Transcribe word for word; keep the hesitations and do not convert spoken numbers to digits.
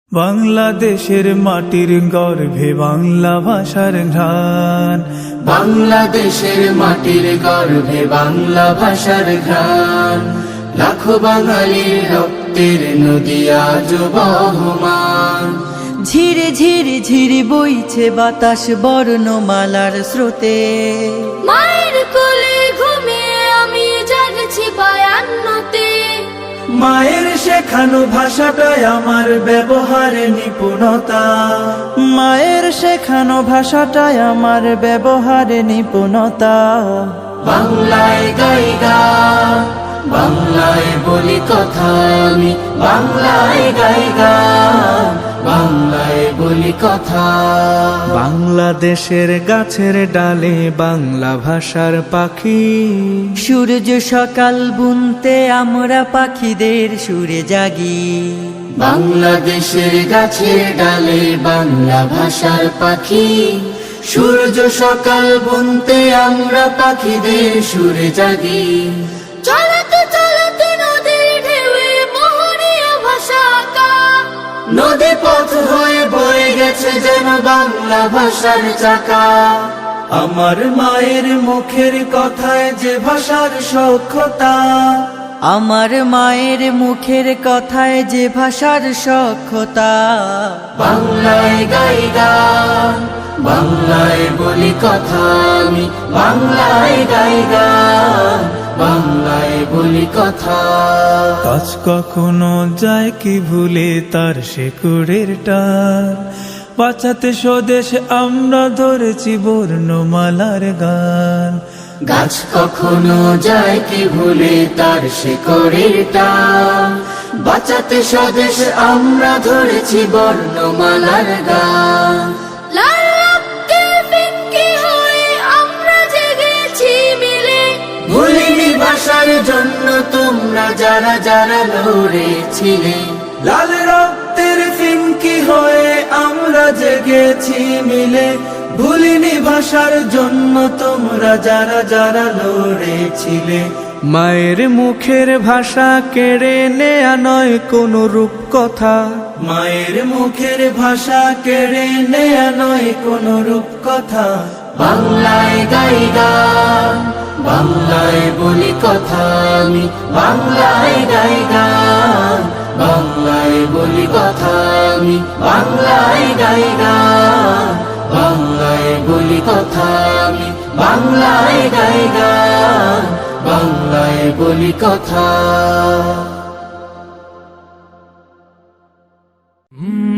বাংলাদেশের মাটির গর্ভে বাংলা ভাষার ঘ্রাণ, বাংলাদেশের মাটির গর্ভে বাংলা ভাষার ঘ্রাণ, লাখো বাঙালির রক্তের নদী আজ বহমান। ঝিরে ঝিরে ঝিরে বইছে বাতাস বর্ণমালার স্রোতে, মায়ের কোলে ঘুমিয়ে আমি জাগছি বায়ান্নতে। মায়ের শেখানো ভাষাটাই আমার ব্যবহারে নিপুণতা, মায়ের শেখানো ভাষাটাই আমার ব্যবহারে নিপুণতা। বাংলায় গাই গান, বাংলায় বলি কথা আমি, বাংলায় গাই গান, বাংলায় বলি কথা। বাংলাদেশের গাছের ডালে বাংলা ভাষার পাখি, সূর্য সকাল বুনতে আমরা পাখিদের সুরে জাগি। বাংলাদেশের গাছের ডালে বাংলা ভাষার পাখি, সূর্য সকাল বুনতে আমরা পাখিদের সুরে জাগি। চলতে চলতে নদীর ঢেউয়ে মোহনীয় ভাষা আঁকা, নদী পথ হয়ে বয়ে গেছে যেন বাংলা ভাষার চাকা। আমার মায়ের মুখের কথায় যে ভাষার সখ্যতা, আমার মায়ের মুখের কথায় যে ভাষার সখ্যতা। বাংলায় গাই গান, বাংলায় বলি কথা আমি, বাংলায় গাই গান, বাংলায় বলি কথা। কাজ কখনো যায় কি ভুলে তার শেকড়ের টান, বাঁচাতে স্বদেশ আমরা ধরেছি বর্ণমালার গান। গাছ কখনো যায় কি ভুলে তার শিকড়ের টান, বাঁচাতে স্বদেশ আমরা ধরেছি বর্ণমালার গান। লাল রক্তের ফিক্কি হয়ে আমরা জেগেছি মিলে, ভুলিনি ভাষার জন্য তোমরা যারা যারা লড়েছিলে। লাল রক্তের ফিনকি হয়ে আমরা জেগেছি মিলে, ভুলিনি ভাষার জন্য তোমরা যারা যারা লড়েছিলে। মায়ের মুখের ভাষা কেড়ে নেয়া নয় কোনো রূপকথা, মায়ের মুখের ভাষা কেড়ে নেয়া নয় কোনো রূপকথা। বাংলায় গাই গান, বাংলায় বলি কথা আমি, বাংলায় গাই গান, বাংলায় বলি কথা আমি, বাংলায় গাই গান, বাংলায় বলি কথা আমি, বাংলায় গাই গান, বাংলায় বলি কথা।